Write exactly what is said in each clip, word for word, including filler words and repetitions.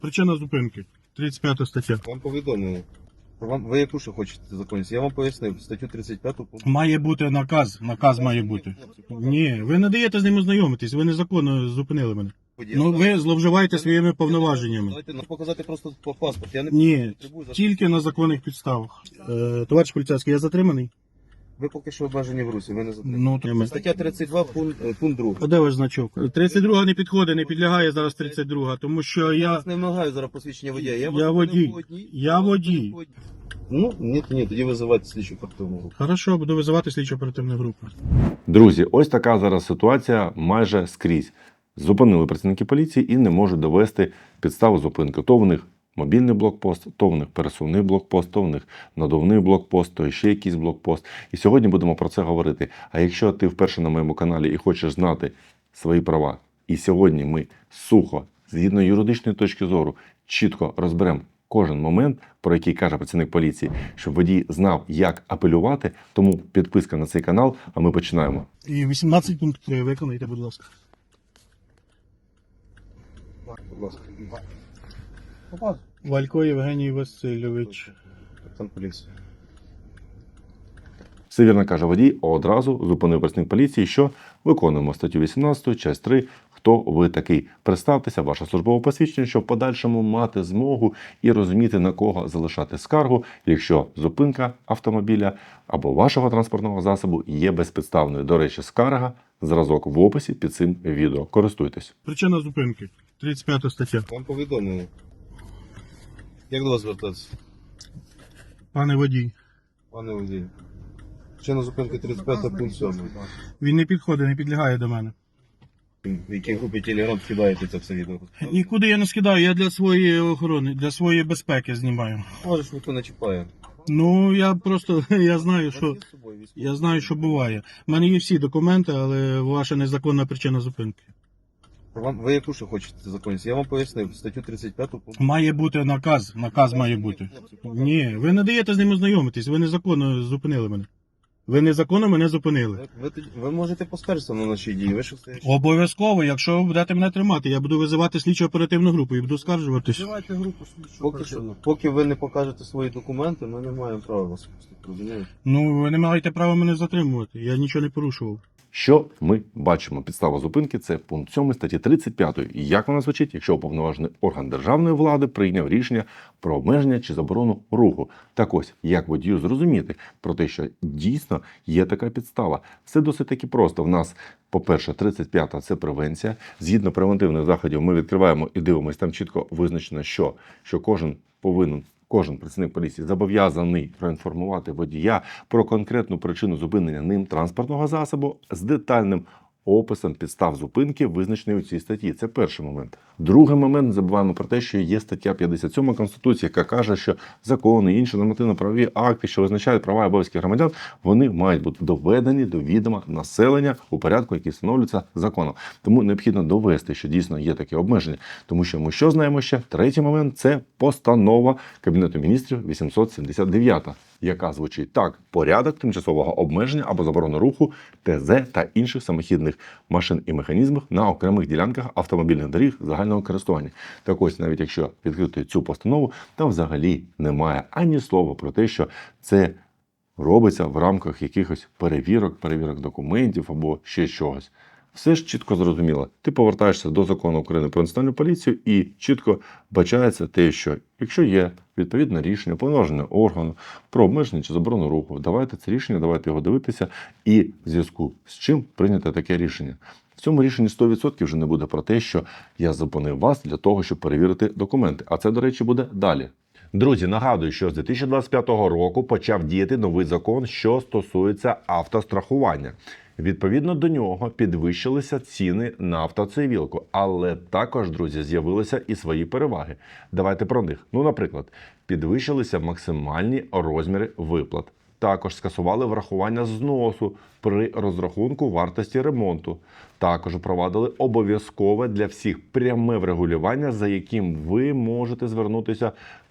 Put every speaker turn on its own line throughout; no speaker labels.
Причина зупинки. тридцять п'ята стаття.
Вам повідомили. Вам, ви яку ще хочете законність? Я вам пояснив, статтю тридцять п'яту.
Має бути наказ. Наказ має бути. Ні, ви не даєте з ним ознайомитись, ви незаконно зупинили мене. Ну ви зловживаєте своїми повноваженнями.
Давайте нам показати просто по паспорт. Я не
Ні,
потребую за-
тільки на законних підставах. Е, товариш поліцейський, я затриманий?
Ви поки що обмежені в русі, ви не затримані.
Ну, треба.
Стаття тридцять два, пункт, е, пункт другий.
А де ваш значок? тридцять друга не підходить, не підлягає зараз тридцять друга, тому що
Я
я...
вас не вимагаю зараз посвідчення водія. Я,
Я
вас
водій.
зупинив по одній-
Я водій.
Ну, ні, ні, тоді визивайте слідчу оперативну групу.
Хорошо, буду визивати слідчо оперативну групу.
Друзі, ось така зараз ситуація майже скрізь. Зупинили працівники поліції і не можуть довести підставу зупинки. То в них мобільний блокпост, то в них пересувний блокпост, то в них надувний блокпост, то ще якийсь блокпост. І сьогодні будемо про це говорити. А якщо ти вперше на моєму каналі і хочеш знати свої права, і сьогодні ми сухо, згідно юридичної точки зору, чітко розберемо кожен момент, про який каже працівник поліції, щоб водій знав, як апелювати, тому підписка на цей канал, а ми починаємо.
І вісімнадцять пункт три виконайте, будь ласка.
Будь ласка.
Валько Євгеній Васильович.
Капітан поліції.
Все вірно каже водій, одразу зупинив працівник поліції, що виконуємо статтю вісімнадцять, часть три. Хто ви такий? Представтеся, ваше службове посвідчення, щоб в подальшому мати змогу і розуміти, на кого залишати скаргу, якщо зупинка автомобіля або вашого транспортного засобу є безпідставною. До речі, скарга, зразок в описі під цим відео. Користуйтесь.
Причина зупинки. тридцять п'ята стаття.
Вам повідомили. Як до вас звертатися,
Пане водій.
пане водій? Причина зупинки тридцять п'ята, пункт сьомий.
Він не підходить, не підлягає до мене.
В якій групі Телеграм кидаєте це все відео?
Нікуди я не скидаю, я для своєї охорони, для своєї безпеки знімаю.
Можеш, ніхто не чіпає.
Ну, я просто, я знаю, що,
У вас є з собою військовий?
я знаю, що буває. У мене є всі документи, але ваша незаконна причина зупинки.
Вам, ви яку ще хочете законність? Я вам пояснив, статтю тридцять п'яту, пункт.
Має бути наказ, наказ має бути. Ні, ви не даєте з ним ознайомитись, ви незаконно зупинили мене. Ви незаконно мене зупинили.
Ви, ви, тоді- ви можете поскаржитися на наші дії. Ви що стоїш?
Обов'язково, якщо ви будете мене тримати, я буду визивати слідчо оперативну групу і буду скаржуватись.
Давайте групу слідчу
Поки, що, поки ви не покажете свої документи, ми не маємо права вас пустити. Розумієте?
Ну, ви не маєте права мене затримувати, я нічого не порушував.
Що ми бачимо? Підстава зупинки – це пункт сьомий статті тридцять п'ятої. І як вона звучить, якщо уповноважений орган державної влади прийняв рішення про обмеження чи заборону руху? Так ось, як водію зрозуміти про те, що дійсно є така підстава? Все досить таки просто. В нас, по-перше, тридцять п'ята – це превенція. Згідно превентивних заходів ми відкриваємо і дивимося, там чітко визначено, що, що кожен повинен Кожен працівник поліції зобов'язаний проінформувати водія про конкретну причину зупинення ним транспортного засобу з детальним описом підстав зупинки, визначеної у цій статті. Це перший момент. Другий момент, не забуваємо про те, що є стаття п'ятдесят сьома Конституції, яка каже, що закони і інші нормативно-правові акти, що визначають права і обов'язки громадян, вони мають бути доведені до відома населення у порядку, який встановлюється законом. Тому необхідно довести, що дійсно є таке обмеження. Тому що ми що знаємо ще? Третій момент – це постанова Кабінету міністрів вісімсот сімдесят дев'ята, яка звучить так: порядок тимчасового обмеження або заборони руху ТЗ та інших самохідних машин і механізмів на окремих ділянках автомобільних доріг загального користування. Так ось, навіть якщо відкрити цю постанову, там взагалі немає ані слова про те, що це робиться в рамках якихось перевірок, перевірок документів або ще чогось. Все ж чітко зрозуміло. Ти повертаєшся до закону України про національну поліцію і чітко бачається те, що якщо є відповідне рішення повноваженого органу про обмеження чи заборону руху, давайте це рішення, давайте його дивитися, і в зв'язку з чим прийняти таке рішення. В цьому рішенні сто відсотків вже не буде про те, що я зупинив вас для того, щоб перевірити документи. А це, до речі, буде далі. Друзі, нагадую, що з дві тисячі двадцять п'ятого року почав діяти новий закон, що стосується автострахування. Відповідно до нього підвищилися ціни на автоцивілку, але також, друзі, з'явилися і свої переваги. Давайте про них. Ну, наприклад, підвищилися максимальні розміри виплат. Також скасували врахування зносу при розрахунку вартості ремонту. Також впровадили обов'язкове для всіх пряме врегулювання, за яким ви можете звернутися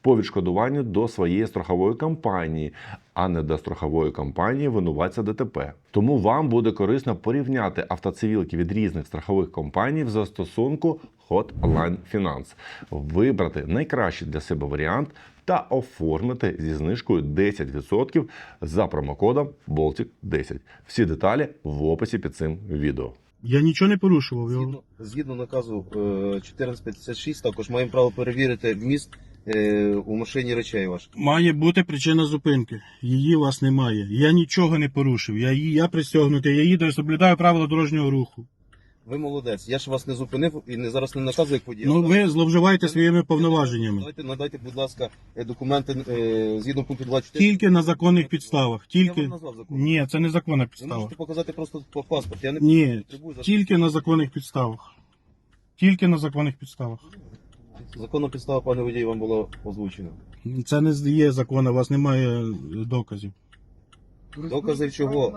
по відшкодуванню до своєї страхової компанії, а не до страхової компанії винуватця ДТП. Тому вам буде корисно порівняти автоцивілки від різних страхових компаній в застосунку Hotline Finance, вибрати найкращий для себе варіант та оформити зі знижкою десять відсотків за промокодом Болтік десять. Всі деталі в описі під цим відео.
Я нічого не порушував. його.
Згідно, згідно наказу е, чотирнадцять п'ятдесят шість, також маємо право перевірити вміст е, у машині речей ваших.
Має бути причина зупинки. Її у вас немає. Я нічого не порушив. Я, її- я пристягнутий, я їду і соблюдаю правила дорожнього руху.
Ви молодець. Я ж вас не зупинив і не зараз не наказую як водія.
Ну ви зловживаєте своїми повноваженнями.
Надайте, надайте, будь ласка, е, документи е, згідно пункту двадцять чотири.
Тільки на законних підставах.
Я
Тільки...
вам назвав закон.
Ні, це не законна
Ви
підстава.
можете показати просто по паспорт. Я не
Ні,
потребую за
тільки на законних підставах. Тільки на законних підставах.
законна підстава, пане водій, вам була озвучена.
Це не є закон, у вас немає доказів.
Докази чого?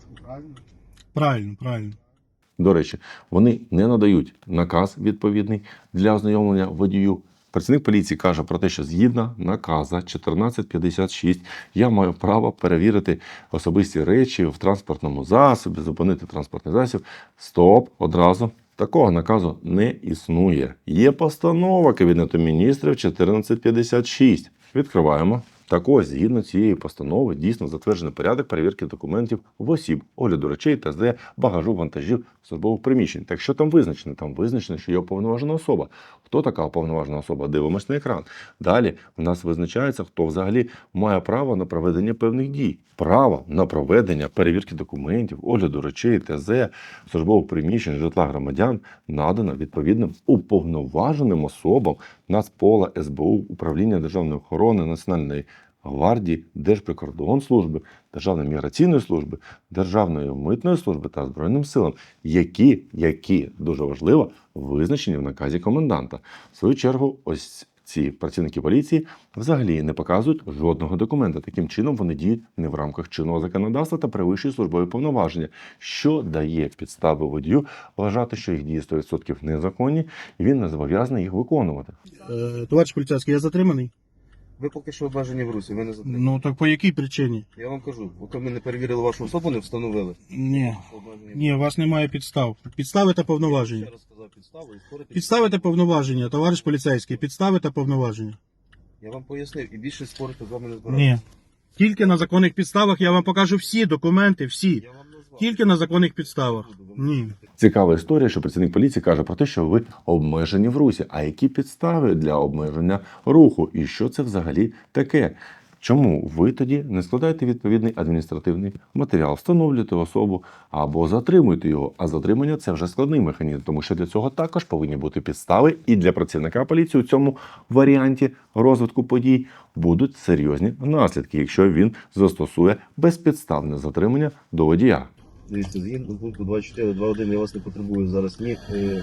Правильно, правильно.
До речі, вони не надають наказ відповідний для ознайомлення водію. Працівник поліції каже про те, що згідно наказа чотирнадцять п'ятдесят шість я маю право перевірити особисті речі в транспортному засобі, зупинити транспортний засіб. Стоп, одразу. Такого наказу не існує. Є постанова Кабінету міністрів чотирнадцять п'ятдесят шість. Відкриваємо. Так ось, згідно цієї постанови, дійсно затверджений порядок перевірки документів в осіб, огляду речей, ТЗ, багажу, вантажів, службових приміщень. Так що там визначено? Там визначено, що є уповноважена особа. Хто така уповноважена особа? Дивимось на екран. Далі в нас визначається, хто взагалі має право на проведення певних дій. Право на проведення перевірки документів, огляду речей, ТЗ, службових приміщень, житла громадян надано відповідним уповноваженим особам Нацпола, ес бе у, Управління державної охорони, Національної гвардії, Держприкордонслужби, Державної міграційної служби, Державної митної служби та Збройним силам, які, які, дуже важливо, визначені в наказі коменданта. В свою чергу, ось ці працівники поліції взагалі не показують жодного документа. Таким чином вони діють не в рамках чинного законодавства та перевищують службові повноваження, що дає підстави водію вважати, що їх дії сто відсотків незаконні, і він не зобов'язаний їх виконувати.
Е, товариш поліцейський, я затриманий?
Ви поки що обмежені в русі, ви не затримали.
Ну так по якій причині?
Я вам кажу, поки ми не перевірили вашу особу, не встановили.
Ні.
що обмежені.
Ні, у вас немає підстав. Підстави та повноваження.
Ще раз сказав підставу і спорити.
Підстави та повноваження, товариш поліцейський. Підстави та повноваження.
Я вам пояснив і більше спорити з вами не збираюся.
Ні. Тільки на законних підставах я вам покажу всі документи, всі.
Я вам назвав.
Тільки на законних підставах. Ні.
Цікава історія, що працівник поліції каже про те, що ви обмежені в русі. А які підстави для обмеження руху? І що це взагалі таке? Чому ви тоді не складаєте відповідний адміністративний матеріал, встановлюєте особу або затримуєте його? А затримання – це вже складний механізм, тому що для цього також повинні бути підстави. І для працівника поліції у цьому варіанті розвитку подій будуть серйозні наслідки, якщо він застосує безпідставне затримання до водія.
Дивіться, згідно пункту двадцять чотири два один я вас не потребую зараз ні е,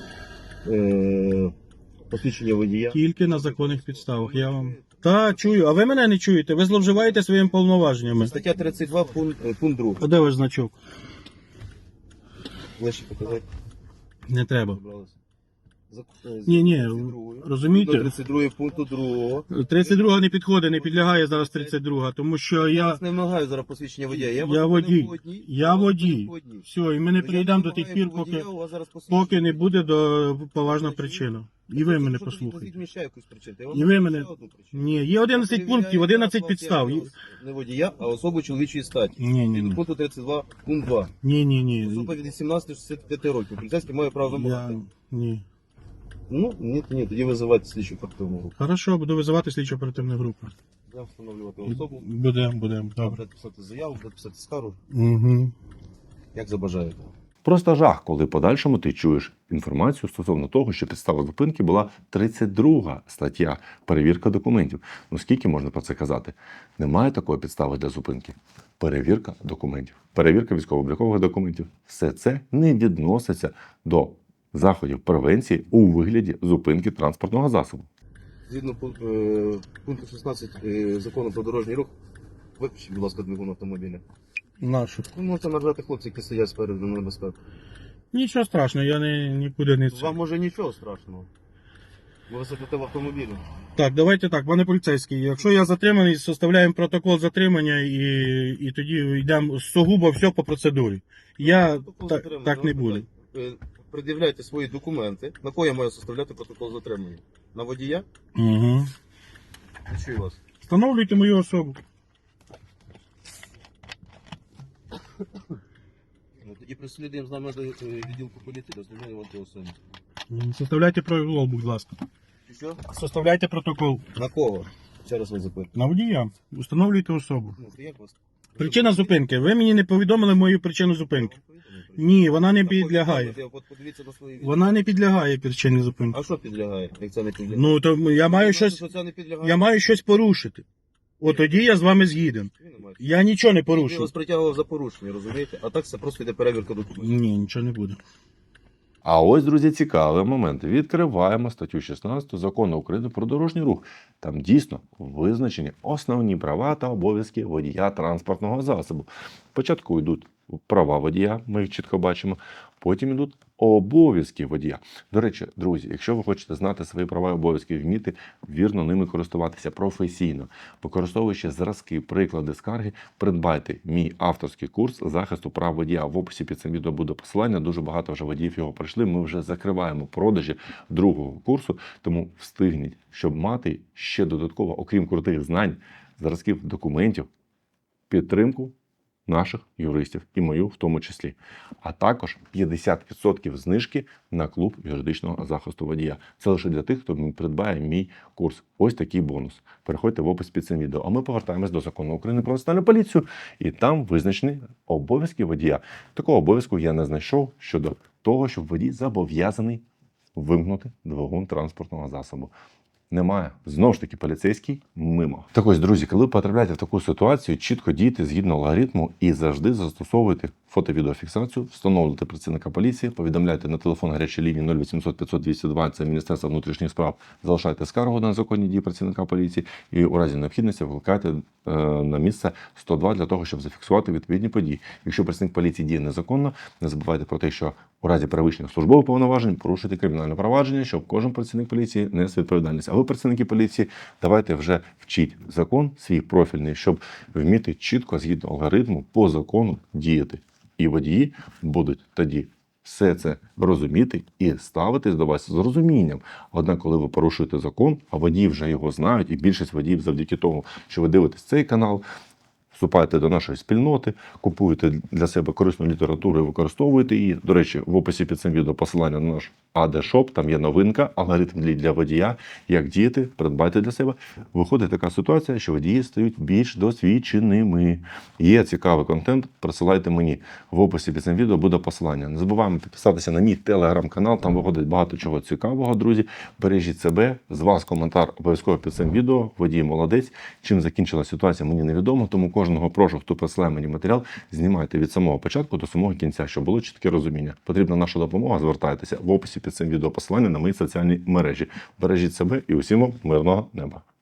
е, посвідчення водія.
Тільки на законних підставах. Я вам. Та, чую. А ви мене не чуєте? Ви зловживаєте своїми повноваженнями.
Стаття тридцять два, пункт, е, пункт другий.
А де ваш значок?
Ближче показати.
Не треба.
Забралися. За- е, з
Ні, ні,
тридцять другої.
розумієте?
До тридцять другої пункту другого.
тридцять друга не підходить, не підлягає зараз тридцять друга, тому що
Я
я,
вас не вимагаю зараз посвідчення водія. Я, вас
я
зупинив
водій.
по одній,
Я
вас
водій.
зупинив по одній.
Все, і ми не
Ну, я
прийдемо до
вимагаю
тих пір,
по водія,
поки,
у вас зараз посвідчення.
поки не буде до поважна причина. І ви мене
Що тоді
послухайте.
назвіть ще якусь причину? Я вам
І ви
назву
мене.
ще одну причину.
Ні, є одинадцять
Я
пунктів,
перевіряю
одинадцять
вас,
підстав.
я вас Не водія, а особу чоловічої статі.
Ні, ні,
Від
ні.
пункту тридцять два, пункт два.
Ні, ні, ні.
Особа від вісімнадцяти до шістдесяти п'яти років. Поліцейський має право
Я...
вимагати.
Ні.
Ну, ні, ні, тоді визивайте слідчу оперативну групу.
Хорошо, буду визивати слідчо оперативну групу.
Будемо встановлювати особу,
Будемо, будемо, добре.
будете писати заяву, будете писати скаргу,
Угу.
як забажаєте.
Просто жах, коли в подальшому ти чуєш інформацію стосовно того, що підстава зупинки була тридцять друга стаття перевірка документів. Ну скільки можна про це казати? Немає такої підстави для зупинки. Перевірка документів, перевірка військово-облікових документів. Все це не відноситься до заходів превенції у вигляді зупинки транспортного засобу.
Згідно пунк- е, пункту шістнадцять е, закону про дорожній рух, виключіть, будь ласка, двигун автомобіля.
Нашу.
Ви можете нажати хлопці, які стоять спереду на небезпеку.
Нічого страшного, я не, нікуди не це.
Вам може нічого страшного. Ви сидите в автомобілі.
Так, давайте так, пане поліцейський. Якщо я затриманий, составляємо протокол затримання і, і тоді йдемо сугубо все по процедурі. Я
Протокол
та,
затримання,
так не
я вам
буду.
питаю. Ви пред'являйте свої документи. На кого я маю составляти протокол затримання? На водія?
Угу.
Не чую вас.
Встановлюйте мою особу.
Ну, тоді прислідуємо з нами до е, відділку поліції, дослідження вам особи.
Составляйте протокол, будь ласка.
Чи що?
Составляйте протокол.
На кого? Ще раз вас запитую.
На водія. Встановлюйте особу.
Ну, то як вас?
Причина зупинки. Ви мені не повідомили мою причину зупинки. Ні, вона не
На кого
підлягає.
відповідати? От подивіться на свої відео.
Вона не підлягає причині зупинки.
А що підлягає, як це не підлягає?
Ну, то я маю
Ну,
щось,
що це не підлягає?
я маю щось порушити. От тоді я з вами згіден.
Ви не маєте.
Я нічого не
Я
порушив.
вас притягував за порушення, розумієте? А так це просто йде перевірка документів.
Ні, нічого не буде.
А ось, друзі, цікавий момент. Відкриваємо статтю шістнадцяту Закону України про дорожній рух. Там дійсно визначені основні права та обов'язки водія транспортного засобу. Спочатку йдуть права водія, ми їх чітко бачимо. Потім йдуть обов'язки водія. До речі, друзі, якщо ви хочете знати свої права і обов'язки, вміти вірно ними користуватися професійно, використовуючи зразки, приклади, скарги, придбайте мій авторський курс захисту прав водія. В описі під цим відео буде посилання. Дуже багато вже водіїв його пройшли. Ми вже закриваємо продажі другого курсу, тому встигніть, щоб мати ще додатково, окрім крутих знань, зразків документів, підтримку наших юристів і мою в тому числі. А також п'ятдесят відсотків знижки на клуб юридичного захисту водія. Це лише для тих, хто придбає мій курс. Ось такий бонус. Переходьте в опис під цим відео. А ми повертаємось до Закону України про національну поліцію. І там визначені обов'язки водія. Такого обов'язку я не знайшов щодо того, щоб водій зобов'язаний вимкнути двигун транспортного засобу. Немає. Знову ж таки, поліцейський мимо. Так ось, друзі, коли потрапляєте в таку ситуацію, чітко дійте згідно алгоритму і завжди застосовуйте фото-відеофіксацію, встановлюйте працівника поліції, повідомляйте на телефон гарячої лінії нуль вісімсот п'ятсот двісті два, це Міністерство внутрішніх справ, залишайте скаргу на незаконні дії працівника поліції і у разі необхідності викликайте е, на місце сто два для того, щоб зафіксувати відповідні події. Якщо працівник поліції діє незаконно, не забувайте про те, що у разі перевищення службових повноважень порушуйте кримінальне провадження, щоб кожен працівник поліції нес відповідальність. А ви, працівники поліції, давайте вже вчіть закон свій профільний, щоб вміти чітко, згідно алгоритму, по закону діяти. І водії будуть тоді все це розуміти і ставитись до вас з розумінням. Однак, коли ви порушуєте закон, а водії вже його знають, і більшість водіїв завдяки тому, що ви дивитесь цей канал, вступаєте до нашої спільноти, купуєте для себе корисну літературу і використовуєте її. До речі, в описі під цим відео посилання на наш ей ді Shop, там є новинка, алгоритм для водія, як діяти, придбайте для себе. Виходить така ситуація, що водії стають більш досвідченими. Є цікавий контент, присилайте мені. В описі під цим відео буде посилання. Не забуваємо підписатися на мій телеграм-канал, там виходить багато чого цікавого, друзі. Бережіть себе, з вас коментар обов'язково під цим відео. Водій молодець. Чим закінчилася ситуація, мені невідомо, тому кожного прошу, хто присилає мені матеріал, знімайте від самого початку до самого кінця, щоб було чітке розуміння. Потрібна наша допомога, звертайтеся. В описі під цим відео посилання на мої соціальні мережі. Бережіть себе і усім вам мирного неба.